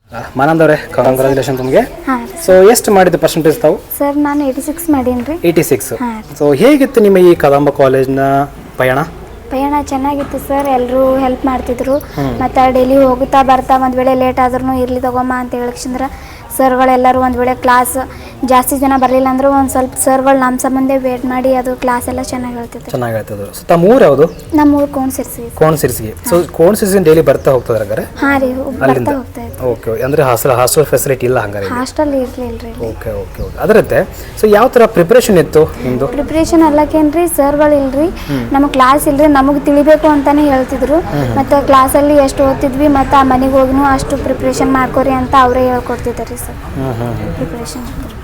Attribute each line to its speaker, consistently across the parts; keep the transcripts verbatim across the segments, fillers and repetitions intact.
Speaker 1: ಮಾನಂದ್ ಅವರೇ ಕಂಗ್ರಾಚುಲೇಷನ್ ನಿಮಗೆ. ಸೊ ಎಷ್ಟು ಮಾಡಿದ ಪರ್ಸೆಂಟೇಜ್ ತಾವು?
Speaker 2: ಸರ್ ನಾನು ಏಯ್ಟಿ ಸಿಕ್ಸ್ ಮಾಡೀನಿ ರೀ.
Speaker 1: Eighty six. ಸೊ ಹೇಗಿತ್ತು ನಿಮ್ಮ ಈ ಕದಂಬ ಕಾಲೇಜ್ನ ಪಯಣ?
Speaker 2: ಪಯಣ ಚೆನ್ನಾಗಿತ್ತು ಸರ್. ಎಲ್ಲರೂ ಹೆಲ್ಪ್ ಮಾಡ್ತಿದ್ರು. ಮತ್ತು ಡೈಲಿ ಹೋಗುತ್ತಾ ಬರ್ತಾ ಒಂದು ವೇಳೆ ಲೇಟ್ ಆದ್ರೂ ಇರಲಿ ತಗೊಮ್ಮ ಅಂತ ಹೇಳಿಕ್ಷಂದ್ರೆ ಸರ್ಗಳೆಲ್ಲರೂ ಒಂದು ವೇಳೆ ಕ್ಲಾಸ್ ಜಾಸ್ತಿ ಜನ ಬರಲಿಲ್ಲ ಅಂದರೂ ಒಂದು ಸ್ವಲ್ಪ ಸರ್ಗಳು ನಮ್ಮ ಸಂಬಂಧ ವೇಟ್ ಮಾಡಿ ಅದು ಕ್ಲಾಸ್ ಎಲ್ಲ ಚೆನ್ನಾಗಿ ಹೇಳ್ತಿದ್ರು.
Speaker 1: ಚೆನ್ನಾಗಿ ಹೇಳ್ತಿದ್ರು. ಸೊ ತಮ್ಮ ಊರು ಯಾವುದು?
Speaker 2: ನಮ್ಮ ಊರು ಕೋಣಸಿರ್ಸಿ.
Speaker 1: ಕೋಣಸಿರ್ಸಿಗೆ. ಸೊ ಕೋಣಸಿರ್ಸಿ ಡೈಲಿ ಬರ್ತಾ ಹೋಗ್ತದ್ರ ಹಂಗಾರೆ?
Speaker 2: ಹಾಂ ರೀ, ಬರ್ತಾ ಹೋಗ್ತಾ ಇತ್ತು.
Speaker 1: ಓಕೆ. ಅಂದರೆ ಹಾಸ್ಟೆಲ್ ಹಾಸ್ಟೆಲ್ ಫೆಸಿಲಿಟಿ ಇಲ್ಲ ಹಂಗಾರೆ?
Speaker 2: ಹಾಸ್ಟೆಲ್ ಇರಲಿಲ್ಲ ರೀ.
Speaker 1: Okay okay okay. ಅದರಂತೆ ಸೊ ಯಾವ ಥರ ಪ್ರಿಪ್ರೇಷನ್ ಇತ್ತು ನಿಮ್ಮದು?
Speaker 2: ಪ್ರಿಪ್ರೇಷನ್ ಅಲ್ಲಕ್ಕೇನ್ರಿ, ಸರ್ಗಳು ಇಲ್ರಿ, ನಮಗೆ ಕ್ಲಾಸ್ ಇಲ್ರಿ, ನಮಗೆ ತಿಳಿಬೇಕು ಅಂತಾನೆ ಹೇಳ್ತಿದ್ರು. ಮತ್ತು ಕ್ಲಾಸಲ್ಲಿ ಎಷ್ಟು ಓದ್ತಿದ್ವಿ ಮತ್ತು ಆ ಮನೆಗೆ ಹೋಗಿನೂ ಅಷ್ಟು ಪ್ರಿಪ್ರೇಷನ್ ಮಾಡ್ಕೊರಿ ಅಂತ ಅವರೇ ಹೇಳ್ಕೊಡ್ತಿದ್ದಾರೆ ಸರ್. ಪ್ರಿಪ್ರೇಷನ್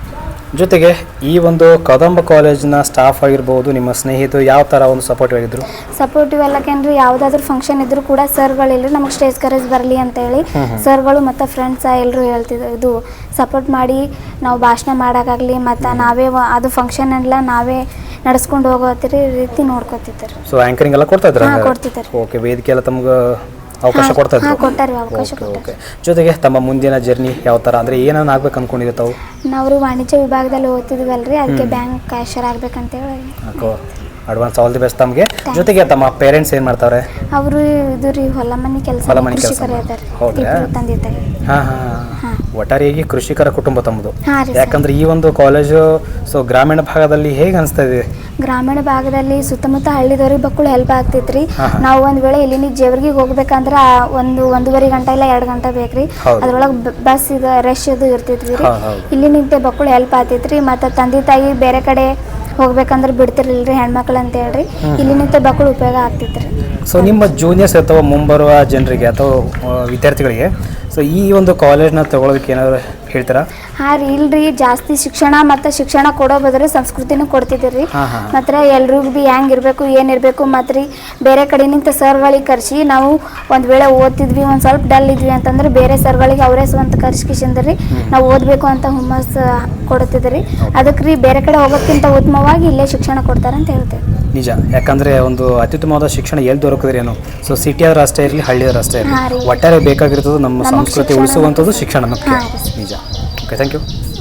Speaker 1: ಜೊತೆಗೆ ಈ ಒಂದು ಕದಂಬ ಕಾಲೇಜಿನ ಸ್ಟಾಫ್ ಆಗಿರ್ಬೋದು, ನಿಮ್ಮ ಸ್ನೇಹಿತರು ಯಾವ ಥರ ಒಂದು ಸಪೋರ್ಟಿವ್ ಆಗಿದ್ರು?
Speaker 2: ಸಪೋರ್ಟಿವ್ ಎಲ್ಲಕ್ಕೇನ್ರಿ, ಯಾವುದಾದ್ರೂ ಫಂಕ್ಷನ್ ಇದ್ರೂ ಕೂಡ ಸರ್ಗಳಿಲ್ರಿ, ನಮಗೆ ಸ್ಟೇಜ್ ಕರೇಜ್ ಬರಲಿ ಅಂತೇಳಿ ಸರ್ಗಳು ಮತ್ತು ಫ್ರೆಂಡ್ಸ್ ಎಲ್ಲರೂ ಹೇಳ್ತಿದ್ರು, ಇದು ಸಪೋರ್ಟ್ ಮಾಡಿ ನಾವು ಭಾಷಣ ಮಾಡೋಕ್ಕಾಗಲಿ ಮತ್ತು ನಾವೇ ಅದು ಫಂಕ್ಷನ್ ಎಲ್ಲ ನಾವೇ ನಡೆಸ್ಕೊಂಡು ಹೋಗೋತಿರಿ ರೀತಿ ನೋಡ್ಕೊತಿದ್ದಾರೆ.
Speaker 1: ಸೊ ಆ್ಯಂಕರಿಂಗ್ ಎಲ್ಲ ಕೊಡ್ತಾ ಇದ್ದಾರೆ?
Speaker 2: ಕೊಡ್ತಿದ್ದಾರೆ.
Speaker 1: ಓಕೆ. ವೇದಿಕೆ ಎಲ್ಲ ತಮ್ಗೆ ಅವಕಾಶ ಕೊಡ್ತಾ ಇದ್ರು?
Speaker 2: ಕೊಟ್ಟಾರೆ, ಅವಕಾಶ ಕೊಟ್ಟಾರೆ.
Speaker 1: ಜೊತೆಗೆ ತಮ್ಮ ಮುಂದಿನ ಜರ್ನಿ ಯಾವ ಥರ, ಅಂದರೆ ಏನೇನು ಆಗ್ಬೇಕು ಅನ್ಕೊಂಡಿದ್ದೆ ತಾವು?
Speaker 2: ನಾವು ವಾಣಿಜ್ಯ ವಿಭಾಗದಲ್ಲಿ ಓದ್ತಿದ್ವಲ್ರಿ, ಅದಕ್ಕೆ ಬ್ಯಾಂಕ್ ಕ್ಯಾಶರ್ ಆಗ್ಬೇಕಂತೇಳಿ.
Speaker 1: ಅಡ್ವಾನ್ಸ್ ಆಲ್ ದಿ ಬೆಸ್ಟ್ ತಮಗೆ. ಜೊತೆಗೆ ತಮ್ಮ ಪೇರೆಂಟ್ಸ್ ಏನು ಮಾಡ್ತಾರೆ? ಅವರು
Speaker 2: ಇದು ರೀ ಹೊಲ ಮನೆ ಕೆಲಸ,
Speaker 1: ಹೊಲ ಮನೆ ಕೆಲಸ. ಹೌದಾ?
Speaker 2: ತಂದೆ ತಾಯಿ.
Speaker 1: ಹಾಂ ಹಾಂ. ಒಟ್ಟಾರೆಯಾಗಿ ಕೃಷಿಕರ ಕುಟುಂಬ ತಮ್ಮದು.
Speaker 2: ಹಾಂ ರೀ.
Speaker 1: ಯಾಕಂದ್ರೆ ಈ ಒಂದು ಕಾಲೇಜು ಸೊ ಗ್ರಾಮೀಣ ಭಾಗದಲ್ಲಿ ಹೇಗೆ ಅನಿಸ್ತಾ ಇದೆ?
Speaker 2: ಗ್ರಾಮೀಣ ಭಾಗದಲ್ಲಿ ಸುತ್ತಮುತ್ತ ಹಳ್ಳಿದವ್ರಿಗೆ ಬಕ್ಕಳು ಹೆಲ್ಪ್ ಆಗ್ತೈತ್ರಿ. ನಾವು ಒಂದು ವೇಳೆ ಇಲ್ಲಿನ ಜೇವರ್ಗಿಗೆ ಹೋಗ್ಬೇಕಂದ್ರೆ ಒಂದು ಒಂದೂವರೆ ಗಂಟೆ ಇಲ್ಲ ಎರಡು ಗಂಟೆ ಬೇಕ್ರಿ. ಅದ್ರೊಳಗೆ ಬಸ್ ಇದು ರಶ್ ಇದು ಇರ್ತೈತ್ರಿ. ಇಲ್ಲಿ ನಿಂತೆ ಬಕ್ಕಳು ಹೆಲ್ಪ್ ಆಗ್ತೈತ್ರಿ. ಮತ್ತು ತಂದೆ ತಾಯಿ ಬೇರೆ ಕಡೆ ಹೋಗ್ಬೇಕಂದ್ರೆ ಬಿಡ್ತಿರ್ಲಿಲ್ರಿ ಹೆಣ್ಮಕ್ಳು ಅಂತ ಹೇಳ್ರಿ, ಇಲ್ಲಿ ನಿಂತ ಬಕ್ಕಳು ಉಪಯೋಗ ಆಗ್ತೈತ್ರಿ.
Speaker 1: ಸೊ ನಿಮ್ಮ ಜೂನಿಯರ್ಸ್ ಅಥವಾ ಮುಂಬರುವ ಜನರಿಗೆ ಅಥವಾ ವಿದ್ಯಾರ್ಥಿಗಳಿಗೆ ಸೊ ಈ ಒಂದು ಕಾಲೇಜ್ನ ತಗೊಳ್ಳೋದಕ್ಕೆ ಏನಾದ್ರು ಹೇಳ್ತೀರಾ?
Speaker 2: ಹಾಂ ರೀ, ಇಲ್ರಿ, ಜಾಸ್ತಿ ಶಿಕ್ಷಣ ಮತ್ತು ಶಿಕ್ಷಣ ಕೊಡೋ ಬದ್ರೆ ಸಂಸ್ಕೃತಿನೂ ಕೊಡ್ತಿದ್ದೀರಿ. ಮತ್ತು ಎಲ್ರಿಗೂ ಭೀ ಹೆಂಗೆ ಇರಬೇಕು ಏನಿರಬೇಕು ಮತ್ತು ರೀ ಬೇರೆ ಕಡೆ ನಿಂತ ಸರ್ಗಳಿಗೆ ಕರೆಸಿ ನಾವು ಒಂದು ವೇಳೆ ಓದ್ತಿದ್ವಿ ಒಂದು ಸ್ವಲ್ಪ ಡಲ್ ಇದ್ವಿ ಅಂತಂದ್ರೆ ಬೇರೆ ಸರ್ಗಳಿಗೆ ಅವರೇ ಸ್ವಂತ ಕರ್ಸ್ಕಿಸಿಂದ್ರಿ ನಾವು ಓದಬೇಕು ಅಂತ ಹುಮ್ಮಸ್ ಕೊಡ್ತಿದ್ರಿ. ಅದಕ್ಕೆ ರೀ ಬೇರೆ ಕಡೆ ಹೋಗೋಕ್ಕಿಂತ ಉತ್ತಮವಾಗಿ ಇಲ್ಲೇ ಶಿಕ್ಷಣ ಕೊಡ್ತಾರೆ ಅಂತ ಹೇಳ್ತೇವೆ.
Speaker 1: ನಿಜ. ಯಾಕಂದರೆ ಒಂದು ಅತ್ಯುತ್ತಮವಾದ ಶಿಕ್ಷಣ ಎಲ್ಲಿ ದೊರಕಿದ್ರೆ ಏನು, ಸೊ ಸಿಟಿ ಆದ್ರೂ ಅಷ್ಟೇ ಇರಲಿ, ಹಳ್ಳಿ ಆದ್ರೂ ಅಷ್ಟೇ ಇರಲಿ, ಒಟ್ಟಾರೆ ಬೇಕಾಗಿರೋದು ನಮ್ಮ ಸಂಸ್ಕೃತಿ ಉಳಿಸುವಂಥದ್ದು ಶಿಕ್ಷಣ ಮುಖ್ಯ. ನಿಜ. Okay, thank you.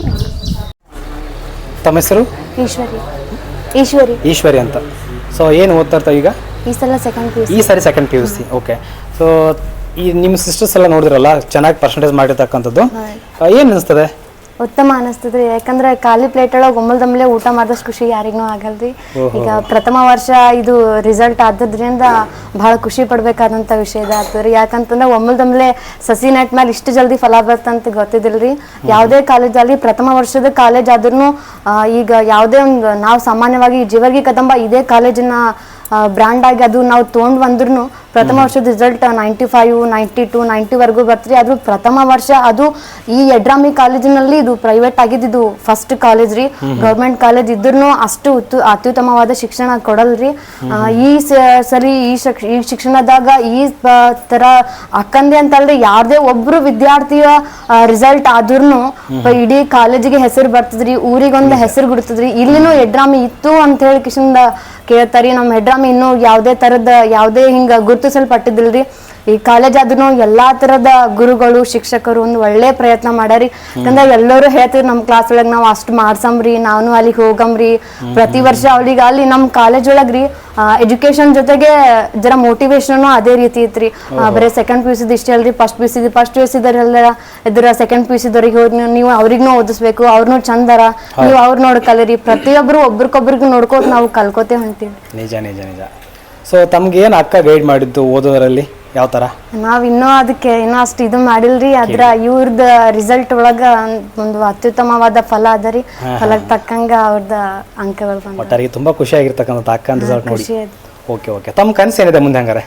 Speaker 1: ತಮ್ಮ ಹೆಸರು?
Speaker 2: ಈಶ್ವರಿ. ಈಶ್ವರಿ
Speaker 1: ಈಶ್ವರಿ ಅಂತ. ಸೊ ಏನು ಓದ್ತಾ ಇರ್ತಾವೆ ಈಗ?
Speaker 2: ಈ ಸಲ ಸೆಕೆಂಡ್ ಪಿ ಯು ಸಿ.
Speaker 1: ಈ ಸಾರಿ second P U C. Okay. So ಈ ನಿಮ್ಮ ಸಿಸ್ಟರ್ಸ್ ಎಲ್ಲ ನೋಡಿದ್ರಲ್ಲ, ಚೆನ್ನಾಗಿ ಪರ್ಸೆಂಟೇಜ್ ಮಾಡಿರ್ತಕ್ಕಂಥದ್ದು, ಏನು ಅನಿಸ್ತದೆ?
Speaker 3: ಉತ್ತಮ ಅನಿಸ್ತದ್ರಿ. ಯಾಕಂದ್ರೆ ಖಾಲಿ ಪ್ಲೇಟ್ ಒಳಗೆ ಒಮ್ಮಲ್ದಮ್ಮಲೆ ಊಟ ಮಾಡಿದಷ್ಟು ಖುಷಿ ಯಾರಿಗೂ ಆಗಲ್ರಿ. ಈಗ ಪ್ರಥಮ ವರ್ಷ ಇದು ರಿಸಲ್ಟ್ ಆದ್ರಿಂದ ಬಹಳ ಖುಷಿ ಪಡ್ಬೇಕಾದಂತ ವಿಷಯದ ಆಗ್ತದ್ರಿ. ಯಾಕಂತಂದ್ರೆ ಒಮ್ಮಲ್ದಮ್ಮಲೆ ಸಸಿ ನೆಟ್ ಮೇಲೆ ಇಷ್ಟು ಜಲ್ದಿ ಫಲ ಬರ್ತಂತ ಗೊತ್ತಿದಿಲ್ರಿ. ಯಾವುದೇ ಕಾಲೇಜ್ ಅಲ್ಲಿ ಪ್ರಥಮ ವರ್ಷದ ಕಾಲೇಜ್ ಆದ್ರೂ ಈಗ ಯಾವುದೇ ಒಂದು ನಾವು ಸಾಮಾನ್ಯವಾಗಿ ಜೀವರ್ಗಿ ಕದಂಬ ಇದೇ ಕಾಲೇಜಿನ ಬ್ರ್ಯಾಂಡ್ ಆಗಿ ಅದು ನಾವು ತೊಗೊಂಡು ಬಂದ್ರೂ ಪ್ರಥಮ ವರ್ಷದ result ninety five ninety two ನೈಂಟಿವರೆಗೂ ಬರ್ತೀರಿ. ಅದು ಪ್ರಥಮ ವರ್ಷ, ಅದು ಈ ಯಡ್ರಾಮಿ ಕಾಲೇಜಿನಲ್ಲಿ ಇದು ಪ್ರೈವೇಟ್ ಆಗಿದ್ದು ಫಸ್ಟ್ ಕಾಲೇಜ್ ರೀ. ಗೌರ್ಮೆಂಟ್ ಕಾಲೇಜ್ ಇದ್ರೂ ಅಷ್ಟು ಅತ್ಯುತ್ತಮವಾದ ಶಿಕ್ಷಣ ಕೊಡಲ್ರಿ. ಈ ಸರಿ ಈ ಈ ಶಿಕ್ಷಣದಾಗ ಈ ತರ ಅಕ್ಕಂದೆ ಅಂತಲ್ರಿ, ಯಾರದೇ ಒಬ್ರು ವಿದ್ಯಾರ್ಥಿಯ ರಿಸಲ್ಟ್ ಆದ್ರೂ ಇಡೀ ಕಾಲೇಜಿಗೆ ಹೆಸರು ಬರ್ತದ್ರಿ, ಊರಿಗೊಂದು ಹೆಸರು ಬಿಡ್ತದ್ರಿ. ಇಲ್ಲಿನೂ ಯಡ್ರಾಮಿ ಇತ್ತು ಅಂತ ಹೇಳಿ ಕಿಶಿಂದ ಕೇಳ್ತಾರಿ. ನಮ್ಮ ಹೆಡ್ರಾಮಿ ಇನ್ನೂ ಯಾವುದೇ ತರದ ಯಾವುದೇ ಹಿಂಗ ಗುರುತಿಸಲ್ಪಟ್ಟಿದ್ದಿಲ್ರಿ. ಈ ಕಾಲೇಜ್ ಆದ್ರೂ ಎಲ್ಲಾ ತರದ ಗುರುಗಳು ಶಿಕ್ಷಕರು ಒಂದು ಒಳ್ಳೆ ಪ್ರಯತ್ನ ಮಾಡ್ಯಾರಿ. ಯಾಕಂದ್ರೆ ಎಲ್ಲರೂ ಹೇಳ್ತಿದ್ರು ನಮ್ಮ ಕ್ಲಾಸ್ ಒಳಗೆ ನಾವು ಅಷ್ಟು ಮಾಡ್ಸಮ್ರಿ, ನಾನು ಅಲ್ಲಿಗೆ ಹೋಗಮ್ರಿ ಪ್ರತಿ ವರ್ಷ. ಅವಳಿಗೆ ಅಲ್ಲಿ ನಮ್ಮ ಕಾಲೇಜ್ ಒಳಗ್ರಿ ಎಜುಕೇಶನ್ ಜೊತೆಗೆ ಜರ ಮೋಟಿವೇಶನ್ ಅದೇ ರೀತಿ ಇತ್ರಿ. ಬರೀ ಸೆಕೆಂಡ್ ಪಿ ಯು ಸಿ ಇಷ್ಟ ಅಲ್ರಿ, first P U C first P U C ಇದಾರೆಲ್ಲ ಇದ್ರ ಸೆಕೆಂಡ್ ಪಿ ಯು ಸಿದವ್ರಿಗೆ ಹೋಗಿ ನೀವು ಅವ್ರಿಗೂ ಓದಿಸ್ಬೇಕು, ಅವ್ರನ್ನೂ ಚಂದರ, ನೀವು ಅವ್ರು ನೋಡಿ ಕಲೀರಿ. ಪ್ರತಿಯೊಬ್ರು ಒಬ್ರಿಗೊಬ್ರಿಗೆ ನೋಡ್ಕೋತ ನಾವು ಕಲ್ಕೋತೇ ಹೊಂತೀವಿ.
Speaker 1: ನಿಜ ನಿಜ ನಿಜ. ಸೊ ತಮ್ಗೆ ಏನು ಅಕ್ಕ ಗೈಡ್ ಮಾಡಿದ್ದು ಓದೋದ್ರಲ್ಲಿ ಯಾವ ತರ?
Speaker 3: ನಾವ್ ಇನ್ನೂ ಅದಕ್ಕೆ ಇನ್ನೂ ಅಷ್ಟು ಇದು ಮಾಡಿಲ್ರಿ. ಅದ್ರ ಇವ್ರದ ರಿಸಲ್ಟ್ ಒಳಗ ಒಂದು ಅತ್ಯುತ್ತಮವಾದ ಫಲ ಅದರಿ. ಫಲಕ್ಕೆ ತಕ್ಕಂಗ ಅವ್ರದ ಅಂಕಗಳು ಬಂದ
Speaker 1: ಒಟ್ಟಾರಿಗೆ ತುಂಬಾ ಖುಷಿ ಆಗಿರ್ತಕ್ಕಂಥ ಅಕ್ಕ ರಿಸಲ್ಟ್ ನೋಡಿ. Okay okay. ತಮ್ಮ ಕನಸು ಏನಿದೆ ಮುಂದೆ ಹಂಗಾರೆ?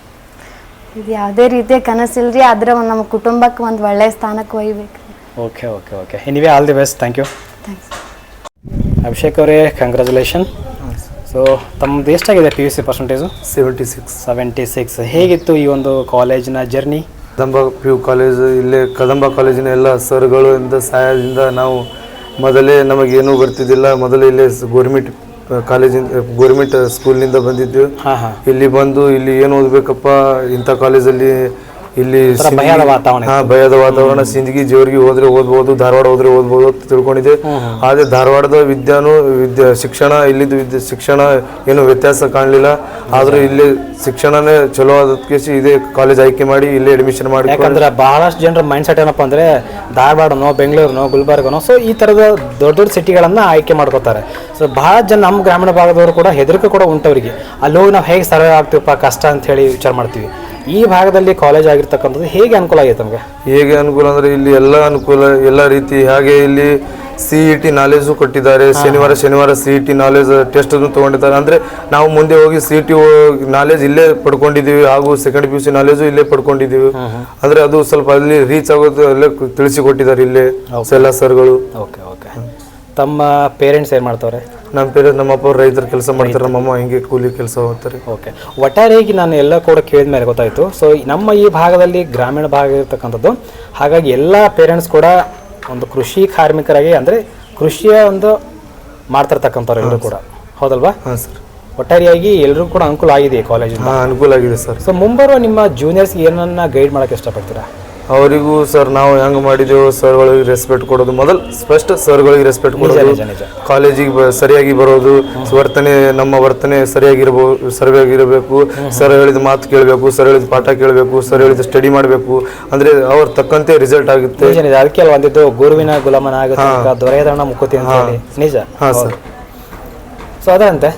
Speaker 3: ಇದು ಯಾವುದೇ ರೀತಿಯ ಕನಸಿಲ್ರಿ, ಆದ್ರೆ ಒಂದು ನಮ್ಮ ಕುಟುಂಬಕ್ಕೆ ಒಂದು ಒಳ್ಳೆ ಸ್ಥಾನಕ್ಕೆ ಒಯ್ಬೇಕು.
Speaker 1: Okay okay okay. Anyway all the best. Thank you.
Speaker 3: Thanks.
Speaker 1: Abhishek ಅವರೇ, ಕಂಗ್ರ್ಯಾಚುಲೇಷನ್. ಸೊ ತಮ್ಮದು ಎಷ್ಟಾಗಿದೆ P U C percentage?
Speaker 4: Seventy six.
Speaker 1: Seventy six. ಹೇಗಿತ್ತು ಈ ಒಂದು ಕಾಲೇಜಿನ journey?
Speaker 4: Kadamba P U college, ಇಲ್ಲೇ ಕದಂಬ ಕಾಲೇಜಿನ ಎಲ್ಲ ಸರ್ಗಳು ಇಂದ ಸಹಾಯದಿಂದ ನಾವು ಮೊದಲೇ ನಮಗೇನೂ ಬರ್ತಿದ್ದಿಲ್ಲ. ಮೊದಲೇ ಇಲ್ಲೇ ಗೋರ್ಮೆಂಟ್ ಕಾಲೇಜಿಂದ ಗೋರ್ಮೆಂಟ್ ಸ್ಕೂಲ್ನಿಂದ ಬಂದಿದ್ದು. ಇಲ್ಲಿ ಬಂದು ಇಲ್ಲಿ ಏನು ಓದಬೇಕಪ್ಪ, ಇಂಥ ಕಾಲೇಜಲ್ಲಿ ಇಲ್ಲಿ
Speaker 1: ಒಂಥರ ಭಯದ ವಾತಾವರಣ
Speaker 4: ಹಾ ಭಯದ ವಾತಾವರಣ. ಸಿಂದಗಿ ಜೇವರ್ಗಿ ಹೋದ್ರೆ ಓದ್ಬೋದು, ಧಾರವಾಡ ಹೋದ್ರೆ ಓದ್ಬೋದು ಅಂತ ತಿಳ್ಕೊಂಡಿದ್ದೆ. ಆದ್ರೆ ಧಾರವಾಡದ ವಿದ್ಯಾನು ವಿದ್ಯಾ ಶಿಕ್ಷಣ ಇಲ್ಲಿದ್ದು ವಿದ್ಯಾ ಶಿಕ್ಷಣ ಏನು ವ್ಯತ್ಯಾಸ ಕಾಣಲಿಲ್ಲ. ಆದ್ರೂ ಇಲ್ಲಿ ಶಿಕ್ಷಣನೇ ಚಲೋ ಆದಕ್ಕೆ ಇದೇ ಕಾಲೇಜ್ ಆಯ್ಕೆ ಮಾಡಿ ಇಲ್ಲೇ ಅಡ್ಮಿಷನ್ ಮಾಡಿ.
Speaker 1: ಯಾಕಂದ್ರೆ ಬಹಳಷ್ಟು ಜನರ ಮೈಂಡ್ ಸೆಟ್ ಏನಪ್ಪ ಅಂದ್ರೆ ಧಾರವಾಡನೋ ಬೆಂಗಳೂರಿನೋ ಗುಲ್ಬರ್ಗನೋ ಸೊ ಈ ತರದ ದೊಡ್ಡ ದೊಡ್ಡ ಸಿಟಿಗಳನ್ನ ಆಯ್ಕೆ ಮಾಡ್ಕೋತಾರೆ. ಸೊ ಬಹಳ ಜನ ನಮ್ಮ ಗ್ರಾಮೀಣ ಭಾಗದವರು ಕೂಡ ಹೆದರಿಕೆ ಕೂಡ ಉಂಟವರಿಗೆ, ಅಲ್ಲಿ ಹೋಗಿ ನಾವು ಹೇಗೆ ಸರ್ವೆ ಆಗ್ತೀವಪ್ಪ ಕಷ್ಟ ಅಂತ ಹೇಳಿ ವಿಚಾರ ಮಾಡ್ತೀವಿ. ಈ ಭಾಗದಲ್ಲಿ ಕಾಲೇಜ್ ಆಗಿರ್ತಕ್ಕಂಥದ್ದು ಹೇಗೆ ಅನುಕೂಲ ಆಗೈತೆ ನಮಗೆ?
Speaker 4: ಹೇಗೆ ಅನುಕೂಲ ಅಂದ್ರೆ ಇಲ್ಲಿ ಎಲ್ಲ ಅನುಕೂಲ ಎಲ್ಲ ರೀತಿ. ಹಾಗೆ ಇಲ್ಲಿ ಸಿ ಇ ಟಿ ನಾಲೆಜು ಕೊಟ್ಟಿದ್ದಾರೆ. ಶನಿವಾರ ಶನಿವಾರ C E T knowledge test ತಗೊಂಡಿದ್ದಾರೆ. ಅಂದ್ರೆ ನಾವು ಮುಂದೆ ಹೋಗಿ ಸಿ ಇ ಟಿ ನಾಲೆಜ್ ಇಲ್ಲೇ ಪಡ್ಕೊಂಡಿದ್ದೀವಿ, ಹಾಗೂ second P U C knowledge ಇಲ್ಲೇ ಪಡ್ಕೊಂಡಿದ್ದೀವಿ. ಅಂದ್ರೆ ಅದು ಸ್ವಲ್ಪ ಅಲ್ಲಿ ರೀಚ್ ಆಗೋದು ಅಲ್ಲೇ ತಿಳಿಸಿಕೊಟ್ಟಿದ್ದಾರೆ ಇಲ್ಲೇ ಎಲ್ಲ ಸರ್ಗಳು.
Speaker 1: Okay okay. ತಮ್ಮ ಪೇರೆಂಟ್ಸ್ ಏನು ಮಾಡ್ತಾರೆ?
Speaker 4: ನಮ್ಮ ಪೇರೆಂಟ್ಸ್ ನಮ್ಮ ಅಪ್ಪ ರೈತರ ಕೆಲಸ ಮಾಡ್ತಾರೆ, ನಮ್ಮಮ್ಮ ಹಿಂಗೆ ಕೂಲಿ ಕೆಲಸ ಹೋಗ್ತಾರೆ.
Speaker 1: ಓಕೆ. ಒಟ್ಟಾರೆಯಾಗಿ ನಾನು ಎಲ್ಲ ಕೂಡ ಕೇಳಿದ ಮೇಲೆ ಗೊತ್ತಾಯಿತು. ಸೊ ನಮ್ಮ ಈ ಭಾಗದಲ್ಲಿ ಗ್ರಾಮೀಣ ಭಾಗ ಇರತಕ್ಕಂಥದ್ದು, ಹಾಗಾಗಿ ಎಲ್ಲ ಪೇರೆಂಟ್ಸ್ ಕೂಡ ಒಂದು ಕೃಷಿ ಕಾರ್ಮಿಕರಾಗಿ ಅಂದರೆ ಕೃಷಿಯ ಒಂದು ಮಾಡ್ತಿರ್ತಕ್ಕಂಥವ್ರು ಎಲ್ಲರೂ ಕೂಡ, ಹೌದಲ್ವಾ? ಹಾಂ ಸರ್. ಒಟ್ಟಾರೆಯಾಗಿ ಎಲ್ಲರೂ ಕೂಡ ಅನುಕೂಲ ಆಗಿದೆ ಕಾಲೇಜಿಂದ.
Speaker 4: ಹಾಂ ಅನುಕೂಲ ಆಗಿದೆ ಸರ್.
Speaker 1: ಸೊ ಮುಂಬರುವ ನಿಮ್ಮ ಜೂನಿಯರ್ಸ್ಗೆ ಏನನ್ನ ಗೈಡ್ ಮಾಡೋಕ್ಕೆ ಇಷ್ಟಪಡ್ತೀರಾ?
Speaker 4: ಅವರಿಗೂ ಸರ್ ನಾವು ಹೆಂಗೆ ಮಾಡಿದೆವು ಸರ್ಗಳಿಗೆ ರೆಸ್ಪೆಕ್ಟ್ ಕೊಡೋದು, ಮೊದಲು ಫಸ್ಟ್ ಸರ್ಗಳಿಗೆ ರೆಸ್ಪೆಕ್ಟ್ ಕೊಡೋದು, ಕಾಲೇಜಿಗೆ ಸರಿಯಾಗಿ ಬರೋದು, ವರ್ತನೆ ನಮ್ಮ ವರ್ತನೆ ಸರಿಯಾಗಿರ್ಬೋದು ಸರಿಯಾಗಿರಬೇಕು. ಸರ್ ಹೇಳಿದ ಮಾತು ಕೇಳಬೇಕು, ಸರ್ ಹೇಳಿದ ಪಾಠ ಕೇಳಬೇಕು, ಸರ್ ಹೇಳಿದ ಸ್ಟಡಿ ಮಾಡಬೇಕು. ಅಂದರೆ ಅವ್ರ ತಕ್ಕಂತೆ ರಿಸಲ್ಟ್ ಆಗುತ್ತೆ.
Speaker 1: ಅದಕ್ಕೆ ಅಲ್ಲ ಒಂದಿದ್ದು ಗುರುವಿನ ಗುಲಾಮನ ಆಗುತ್ತೆ, ದೊರೆಯದಣ್ಣ ಮುಕ್ಕುತಿ ಅಂತ ಹೇಳಿ. ನಿಜ.
Speaker 4: ಹಾಂ ಸರ್.
Speaker 1: ಸೊ ಅದಂತೆ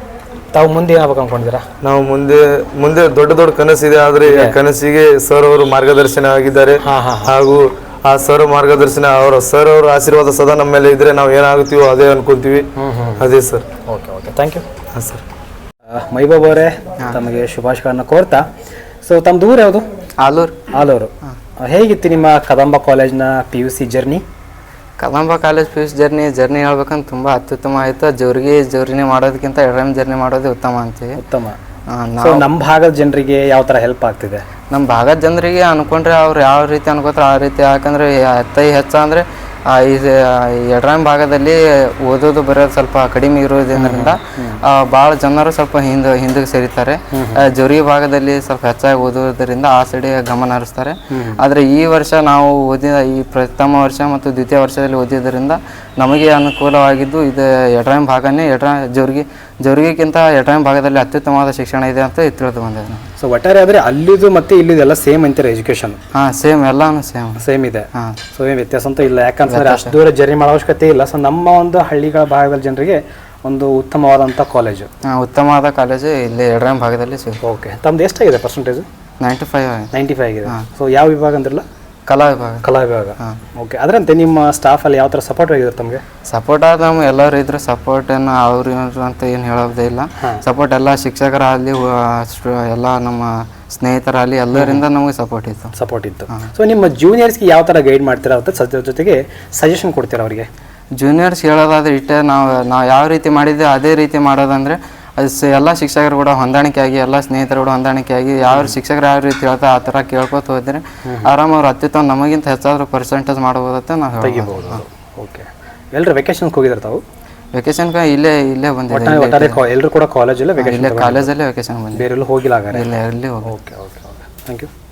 Speaker 1: ತಾವು ಮುಂದೆ ಏನಾಗಬೇಕು ಅನ್ಕೊಂಡಿದ್ದೀರಾ?
Speaker 4: ನಾವು ಮುಂದೆ ಮುಂದೆ ದೊಡ್ಡ ದೊಡ್ಡ ಕನಸಿದೆ. ಆದ್ರೆ ಕನಸಿಗೆ ಸರ್ ಅವರು ಮಾರ್ಗದರ್ಶನ ಆಗಿದ್ದಾರೆ. ಹಾಗೂ ಆ ಸರ್ ಮಾರ್ಗದರ್ಶನ ಅವರ ಸರ್ ಅವರ ಆಶೀರ್ವಾದ ಸದಾ ನಮ್ಮ ಮೇಲೆ ಇದ್ರೆ ನಾವು ಏನಾಗುತ್ತೀವೋ ಅದೇ ಅನ್ಕೊಂತೀವಿ. ಅದೇ sir.
Speaker 1: Okay okay, thank you.
Speaker 4: ಹಾಂ ಸರ್.
Speaker 1: ಮೈಬಾಬ್ ಅವರೇ, ತಮಗೆ ಶುಭಾಶಯಗಳನ್ನು ಕೋರ್ತಾ, ಸೊ ತಮ್ಮ ದೂರ ಯಾವುದು?
Speaker 5: ಆಲೂರು.
Speaker 1: ಆಲೂರು. ಹೇಗಿತ್ತು ನಿಮ್ಮ ಕದಂಬ ಕಾಲೇಜ್ನ P U C journey?
Speaker 5: Kadamba college P U C journey journey ಹೇಳ್ಬೇಕಂದ್ರೆ ತುಂಬ ಅತ್ಯುತ್ತಮ ಆಯಿತು. ಜೋರಿಗೆ ಜರ್ನಿ ಮಾಡೋದಕ್ಕಿಂತ ಎಡರಮ್ ಜರ್ನಿ ಮಾಡೋದೇ ಉತ್ತಮ ಅಂತೀವಿ.
Speaker 1: ಉತ್ತಮ. ನಮ್ಮ ಭಾಗದ ಜನರಿಗೆ ಯಾವ ಥರ ಹೆಲ್ಪ್ ಆಗ್ತಿದೆ?
Speaker 5: ನಮ್ಮ ಭಾಗದ ಜನರಿಗೆ ಅನ್ಕೊಂಡ್ರೆ ಅವ್ರು ಯಾವ ರೀತಿ ಅನ್ಕೋತಾರೆ ಆ ರೀತಿ. ಯಾಕಂದರೆ ಅತಿ ಹೆಚ್ಚು ಅಂದರೆ ಈ ಎಡರಾಮ್ ಭಾಗದಲ್ಲಿ ಓದೋದು ಬರೋದು ಸ್ವಲ್ಪ ಕಡಿಮೆ ಇರೋದ್ರಿಂದ ಭಾಳ ಜನರು ಸ್ವಲ್ಪ ಹಿಂದೆ ಹಿಂದಕ್ಕೆ ಸೇರಿತಾರೆ. ಜೋರಿ ಭಾಗದಲ್ಲಿ ಸ್ವಲ್ಪ ಹೆಚ್ಚಾಗಿ ಓದೋದ್ರಿಂದ ಆ ಸೈಡ್ ಗಮನ ಹರಿಸ್ತಾರೆ. ಆದರೆ ಈ ವರ್ಷ ನಾವು ಓದಿದ ಈ ಪ್ರಥಮ ವರ್ಷ ಮತ್ತು ದ್ವಿತೀಯ ವರ್ಷದಲ್ಲಿ ಓದಿದ್ದರಿಂದ ನಮಗೆ ಅನುಕೂಲವಾಗಿದ್ದು ಇದು ಎಡರಾಮ್ ಭಾಗನೇ. ಎಡ್ರಾ ಜೋರಿಗೆ ಜೋರಿಗಿಂತ ಎಡರಾಮ್ ಭಾಗದಲ್ಲಿ ಅತ್ಯುತ್ತಮವಾದ ಶಿಕ್ಷಣ ಇದೆ ಅಂತ ತಿಳಿದು ಬಂದಿದೆ.
Speaker 1: ಸೊ ಒಟ್ಟಾರೆ ಆದರೆ ಅಲ್ಲಿದು ಮತ್ತೆ ಇಲ್ಲಿದು ಎಲ್ಲ ಸೇಮ್ ಅಂತಾರೆ ಎಜುಕೇಶನ್?
Speaker 5: ಹಾಂ ಸೇಮ್, ಎಲ್ಲಾನು ಸೇಮ್
Speaker 1: ಸೇಮ್ ಇದೆ.
Speaker 5: ಹಾಂ.
Speaker 1: ಸೊ ಏನು ವ್ಯತ್ಯಾಸ ಅಂತ ಇಲ್ಲ, ಯಾಕಂತಂದ್ರೆ ಅಷ್ಟು ದೂರ ಜರ್ನಿ ಮಾಡೋ ಅವಶ್ಯಕತೆ ಇಲ್ಲ. ಸೊ ನಮ್ಮ ಒಂದು ಹಳ್ಳಿಗಳ ಭಾಗದ ಜನರಿಗೆ ಒಂದು ಉತ್ತಮವಾದಂಥ ಕಾಲೇಜು.
Speaker 5: ಹಾಂ, ಉತ್ತಮವಾದ ಕಾಲೇಜು ಇಲ್ಲಿ ಎಡರಾಮ್ ಭಾಗದಲ್ಲಿ ಸಿಗುತ್ತೆ.
Speaker 1: ಓಕೆ. ತಮ್ಮದು ಎಷ್ಟಾಗಿದೆ percentage?
Speaker 5: Ninety five
Speaker 1: ninety five ಆಗಿದೆ. ಸೊ ಯಾವ ವಿಭಾಗ ಅಂದ್ರಲ್ಲ?
Speaker 5: ಕಲಾ ವಿಭಾಗ.
Speaker 1: ಕಲಾ ವಿಭಾಗ. ಓಕೆ. ಅದರಂತೆ ನಿಮ್ಮ ಸ್ಟಾಫಲ್ಲಿ ಯಾವ ಥರ ಸಪೋರ್ಟ್ ಆಗಿದ್ದಾರೆ ತಮಗೆ?
Speaker 5: ಸಪೋರ್ಟ್ ಆದ ನಮ್ಮ ಎಲ್ಲರೂ ಇದ್ರು. ಸಪೋರ್ಟ್ ಏನು ಅವ್ರು ಇವರು ಅಂತ ಏನು ಹೇಳೋದೇ ಇಲ್ಲ. ಸಪೋರ್ಟ್ ಎಲ್ಲ ಶಿಕ್ಷಕರಾಗಲಿ ಎಲ್ಲ ನಮ್ಮ ಸ್ನೇಹಿತರಾಗಲಿ ಎಲ್ಲರಿಂದ ನಮಗೆ ಸಪೋರ್ಟ್ ಇತ್ತು.
Speaker 1: ಸಪೋರ್ಟ್ ಇತ್ತು. ಸೊ ನಿಮ್ಮ ಜೂನಿಯರ್ಸ್ಗೆ ಯಾವ ಥರ ಗೈಡ್ ಮಾಡ್ತೀರಾ ಅಂತ ಸದ್ಯ ಜೊತೆಗೆ ಸಜೆಷನ್ ಕೊಡ್ತೀರಾ ಅವರಿಗೆ?
Speaker 5: ಜೂನಿಯರ್ಸ್ ಹೇಳೋದಾದ್ರೆ ಇಟ್ಟೆ ನಾವು ನಾವು ಯಾವ ರೀತಿ ಮಾಡಿದ್ದೆ ಅದೇ ರೀತಿ ಮಾಡೋದಂದರೆ ಅದು ಎಲ್ಲ ಶಿಕ್ಷಕರು ಕೂಡ ಹೊಂದಾಣಿಕೆಯಾಗಿ ಎಲ್ಲ ಸ್ನೇಹಿತರು ಕೂಡ ಹೊಂದಾಣಿಕೆಯಾಗಿ ಯಾವ ಶಿಕ್ಷಕರು ಯಾವ ರೀತಿ ಹೇಳ್ತಾ ಆ ಥರ ಕೇಳ್ಕೊತ ಹೋದರೆ ಆರಾಮ ಅವ್ರು ಅತ್ಯುತ್ತಮ ನಮಗಿಂತ ಹೆಚ್ಚಾದರೂ ಪರ್ಸೆಂಟೇಜ್ ಮಾಡ್ಬೋದಂತ ನಾವು
Speaker 1: ತೆಗಿಬಹುದು. ಓಕೆ. ಎಲ್ಲರೂ ವೆಕೇಶನ್ಗೆ ಹೋಗಿದ್ದಾರೆ ತಾವು?
Speaker 5: ವೆಕೇಶನ್ ಇಲ್ಲೇ ಇಲ್ಲೇ ಬಂದಿದೆ.
Speaker 1: ಎಲ್ಲರೂ ಕೂಡ ಕಾಲೇಜಲ್ಲೇ ವೆಕೇಶನ್?
Speaker 5: ಕಾಲೇಜಲ್ಲೇ ವೆಕೇಶನ್ ಬಂದಿದೆ,
Speaker 1: ಬೇರೆಲ್ಲೂ ಹೋಗಿಲ್ಲ?
Speaker 5: ಇಲ್ಲ, ಎಲ್ಲಿ ಹೋಗಿ.
Speaker 1: Okay okay okay, thank you.